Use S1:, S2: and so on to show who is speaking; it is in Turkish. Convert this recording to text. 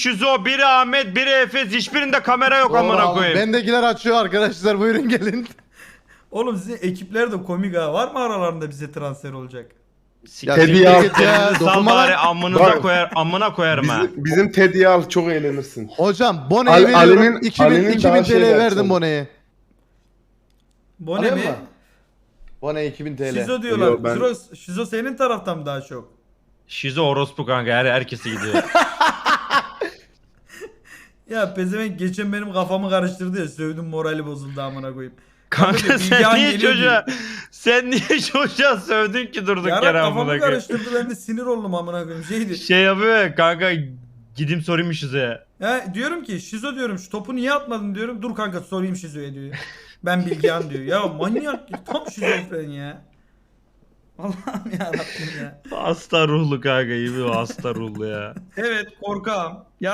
S1: Şizo, biri Ahmet, biri Efes. Hiçbirinde kamera yok
S2: Doğru
S1: amına
S2: abi.
S1: koyayım.
S2: Bendekiler açıyor arkadaşlar, buyurun gelin.
S3: Oğlum sizin ekipler de komik ha. Var mı aralarında bize transfer olacak?
S4: Teddy'yi al.
S2: Ya,
S1: Sal
S2: dokunma
S1: bari
S2: lan.
S1: amınıza
S4: Bak.
S1: koyar, amına koyarım ha.
S4: Bizim Teddy'yi al, çok eğlenirsin.
S2: Hocam Bone'ye veriyorum.
S4: Ali'nin
S2: 2000
S4: daha
S2: 2000 TL
S4: şey
S2: verdim
S4: yapsın.
S2: Bone'ye.
S3: Bu ne
S2: Alıyor
S3: mi?
S2: mu? Bone 2000 TL.
S3: Şizo diyorlar.
S4: Yo, ben-
S3: Şizo senin taraftan mı daha çok?
S1: Şizo orospu kanka, herkese gidiyor.
S3: Ya pezevenk geçen benim kafamı karıştırdı ya. Sövdüm, morali bozuldu amına koyayım.
S1: Kanka
S3: Bilgehan
S1: sen niye
S3: geliyor
S1: çocuğa sövdün ki durduk
S3: Yarak
S1: yere amına
S3: kafamı
S1: koyayım.
S3: karıştırdı, ben de sinir oldum amına koyayım. Şeydi.
S1: Şey yapıyor ya kanka, gideyim sorayım Şizo'ya.
S3: Ya diyorum ki Şizo diyorum, şu topu niye atmadın diyorum. Dur kanka sorayım Şizo'ya diyor. Ben Bilgehan diyor. Ya manyak, tam şizofren ya. Allah'ım yarabbim ya.
S1: Hasta ruhlu kanka, iyi bir hasta ruhlu ya.
S3: Evet korkağım.